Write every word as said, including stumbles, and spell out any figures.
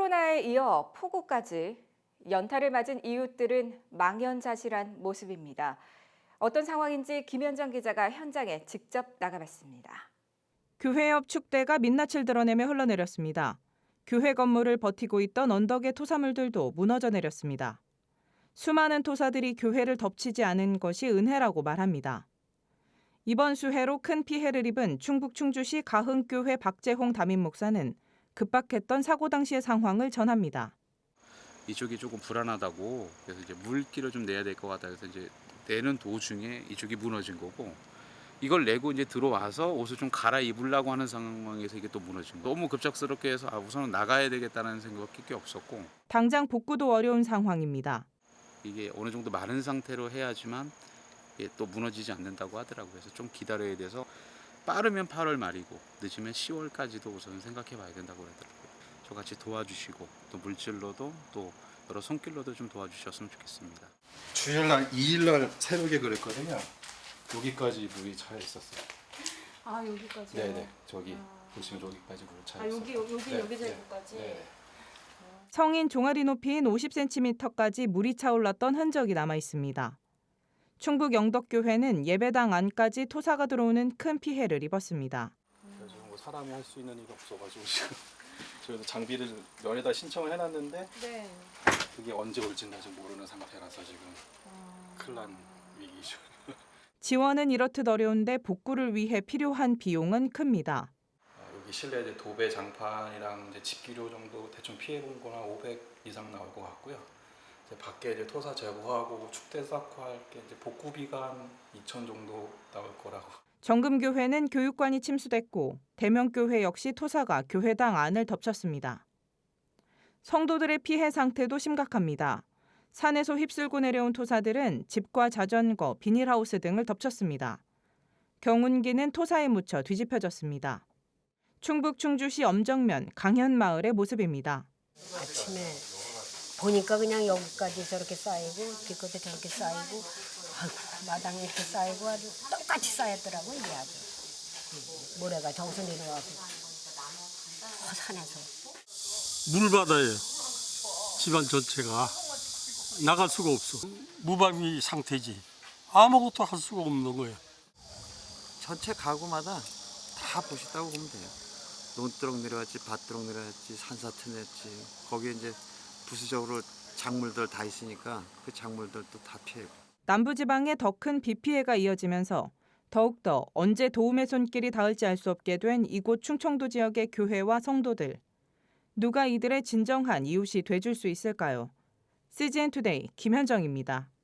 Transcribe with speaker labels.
Speaker 1: 코로나에 이어 폭우까지 연타를 맞은 이웃들은 망연자실한 모습입니다. 어떤 상황인지 김현정 기자가 현장에 직접 나가봤습니다.
Speaker 2: 교회 옆 축대가 민낯을 드러내며 흘러내렸습니다. 교회 건물을 버티고 있던 언덕의 토사물들도 무너져 내렸습니다. 수많은 토사들이 교회를 덮치지 않은 것이 은혜라고 말합니다. 이번 수해로 큰 피해를 입은 충북 충주시 가흥교회 박재홍 담임 목사는 급박했던 사고 당시의 상황을 전합니다.
Speaker 3: 이쪽이 조금 불안하다고 그래서 이제 물길을 좀 내야 될 것 같다 그래서 이제 내는 도중에 이쪽이 무너진 거고 이걸 내고 이제 들어와서 옷을 좀 갈아입으려고 하는 상황에서 이게 또 무너진 거. 너무 급작스럽게 해서 아 우선은 나가야 되겠다는 생각밖에 없었고
Speaker 2: 당장 복구도 어려운 상황입니다.
Speaker 3: 이게 어느 정도 마른 상태로 해야지만 이게 또 무너지지 않는다고 하더라고요. 그래서 좀 기다려야 돼서 빠르면 팔월 말이고 늦으면 시월까지도 우선 생각해 봐야 된다고 그러더라고요. 저같이 도와주시고 또 물질로도 또 여러 손길로도 좀 도와주셨으면 좋겠습니다.
Speaker 4: 주일날 이일날 새벽에 그랬거든요. 여기까지 물이 차 있었어요.
Speaker 5: 아 여기까지요?
Speaker 4: 네네 저기
Speaker 5: 아.
Speaker 4: 보시면 여기까지 물 차
Speaker 5: 아
Speaker 4: 있어요.
Speaker 5: 여기 여기
Speaker 4: 네,
Speaker 5: 여기
Speaker 4: 네,
Speaker 5: 정도까지.
Speaker 4: 네.
Speaker 2: 성인 종아리 높이인 오십 센티미터까지 물이 차올랐던 흔적이 남아 있습니다. 충북 영덕교회는 예배당 안까지 토사가 들어오는 큰 피해를 입었습니다.
Speaker 4: 그래서 뭐 사람이 할 수 있는 일이 없어가지고 지금 저희도 장비를 면에다 신청을 해놨는데
Speaker 5: 네.
Speaker 4: 그게 언제 올지는 아직 모르는 상태라서 지금
Speaker 5: 아.
Speaker 4: 큰일 난 위기죠.
Speaker 2: 지원은 이렇듯 어려운데 복구를 위해 필요한 비용은 큽니다.
Speaker 4: 아, 여기 실내 이제 도배 장판이랑 이제 집기료 정도 대충 피해 본 거나 오백 이상 나올 것 같고요. 이제 밖에 이제 토사 제거하고 축대 쌓고 할 게 이제 복구비가 한 이천 정도 나올 거라고.
Speaker 2: 정금교회는 교육관이 침수됐고 대명교회 역시 토사가 교회당 안을 덮쳤습니다. 성도들의 피해 상태도 심각합니다. 산에서 휩쓸고 내려온 토사들은 집과 자전거, 비닐하우스 등을 덮쳤습니다. 경운기는 토사에 묻혀 뒤집혀졌습니다. 충북 충주시 엄정면 강현마을의 모습입니다.
Speaker 6: 아침에 보니까 그냥 여기까지 저렇게 쌓이고 뒤끝에 저렇게 쌓이고 아이고, 마당에 이렇게 쌓이고 아주 똑같이 쌓였더라고요. 이게 아주 모래가 저기서 내려와서 저 산에서
Speaker 7: 물바다예요. 집안 전체가 나갈 수가 없어. 무방비 상태지. 아무것도 할 수가 없는 거예요.
Speaker 8: 전체 가구마다 다 보셨다고 보면 돼요. 논두렁 내려왔지, 밭두렁 내려왔지, 산사태 냈지. 거기에 이제 부수적으로 작물들 다 있으니까 그 작물들도 다 피해고.
Speaker 2: 남부지방에 더 큰 비 피해가 이어지면서 더욱더 언제 도움의 손길이 닿을지 알 수 없게 된 이곳 충청도 지역의 교회와 성도들. 누가 이들의 진정한 이웃이 돼줄 수 있을까요? 씨지엔 투데이 김현정입니다.